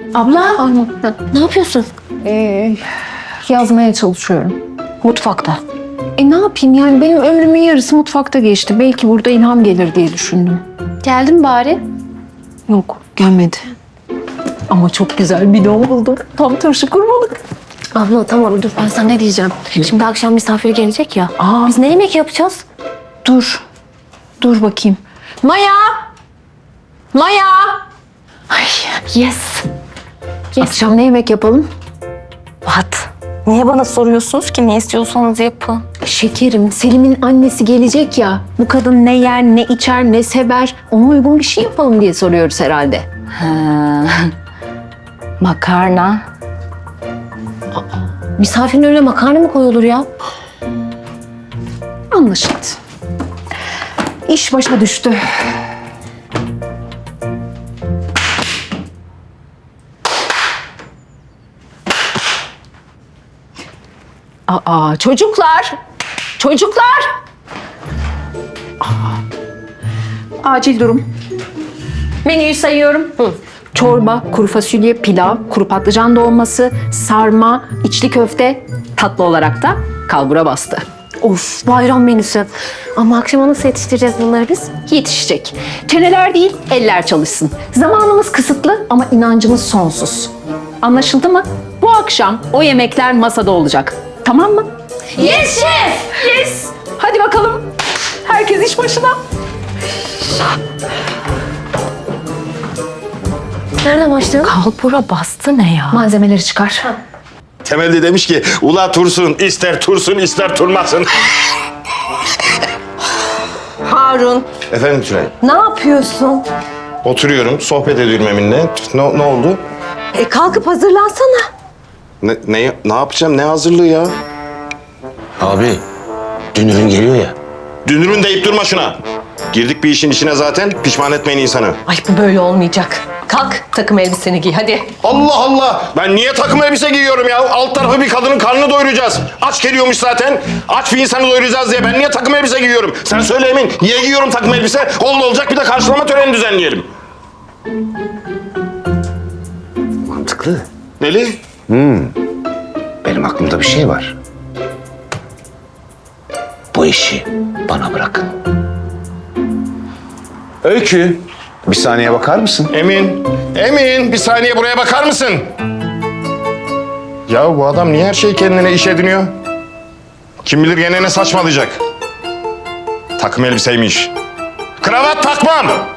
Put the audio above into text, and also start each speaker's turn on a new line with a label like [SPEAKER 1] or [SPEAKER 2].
[SPEAKER 1] Abla, ne yapıyorsun?
[SPEAKER 2] Yazmaya çalışıyorum.
[SPEAKER 1] Mutfakta.
[SPEAKER 2] Ne yapayım yani benim ömrümün yarısı mutfakta geçti. Belki burada ilham gelir diye düşündüm.
[SPEAKER 1] Geldin bari.
[SPEAKER 2] Yok, gelmedi. Ama çok güzel bir don buldum. Tam turşu kurmalık.
[SPEAKER 1] Abla tamam dur ben sana ne diyeceğim. Şimdi akşam misafir gelecek ya. Biz ne yemek yapacağız?
[SPEAKER 2] Dur. Dur bakayım. Maya! Maya!
[SPEAKER 1] Ay yes.
[SPEAKER 2] Akşam ne yemek yapalım?
[SPEAKER 1] What? Niye bana soruyorsunuz ki? Ne istiyorsanız yapın.
[SPEAKER 2] Şekerim, Selim'in annesi gelecek ya. Bu kadın ne yer, ne içer, ne sever. Ona uygun bir şey yapalım diye soruyoruz herhalde.
[SPEAKER 1] Makarna. Misafirin önüne makarna mı koyulur ya?
[SPEAKER 2] Anlaşıldı. İş başa düştü. Çocuklar! Çocuklar! Acil durum. Menüyü sayıyorum. Çorba, kuru fasulye, pilav, kuru patlıcan dolması, sarma, içli köfte, tatlı olarak da kalbura bastı.
[SPEAKER 1] Of bayram menüsü. Ama akşama nasıl yetiştireceğiz bunları biz?
[SPEAKER 2] Yetişecek. Çeneler değil, eller çalışsın. Zamanımız kısıtlı ama inancımız sonsuz. Anlaşıldı mı? Bu akşam o yemekler masada olacak. Tamam mı?
[SPEAKER 1] Yes şef!
[SPEAKER 2] Yes! Hadi bakalım. Herkes iş başına.
[SPEAKER 1] Nereden başlayalım? Kalbura bastı ne ya?
[SPEAKER 2] Malzemeleri çıkar.
[SPEAKER 3] Temel de demiş ki ula tursun ister tursun ister turmasın.
[SPEAKER 4] Harun,
[SPEAKER 3] Efendim Tülay.
[SPEAKER 4] ne yapıyorsun?
[SPEAKER 3] Oturuyorum sohbet ediyorum Emin'le. Ne oldu?
[SPEAKER 4] Kalkıp hazırlansana.
[SPEAKER 3] Ne yapacağım ne hazırlığı ya?
[SPEAKER 5] Abi, dünürün geliyor ya.
[SPEAKER 3] Dünürün deyip durma şuna. Girdik bir işin içine zaten pişman etmeyin insanı.
[SPEAKER 4] Ay bu böyle olmayacak. Kalk, takım elbiseni giy hadi.
[SPEAKER 3] Allah Allah! Ben niye takım elbise giyiyorum ya? Alt tarafı bir kadının karnını doyuracağız. Aç geliyormuş zaten. Aç bir insanı doyuracağız diye ben niye takım elbise giyiyorum? Sen söyle Emin. Niye giyiyorum takım elbise? Olacak bir de karşılama töreni düzenleyelim.
[SPEAKER 5] Mantıklı.
[SPEAKER 3] Neli?
[SPEAKER 5] Benim aklımda bir şey var. Bu işi bana bırakın. Öykü, bir saniye bakar mısın?
[SPEAKER 3] Emin bir saniye buraya bakar mısın? Ya bu adam niye her şeyi kendine iş ediniyor? Kim bilir gene ne saçmalayacak? Takım elbiseymiş. Kravat takmam.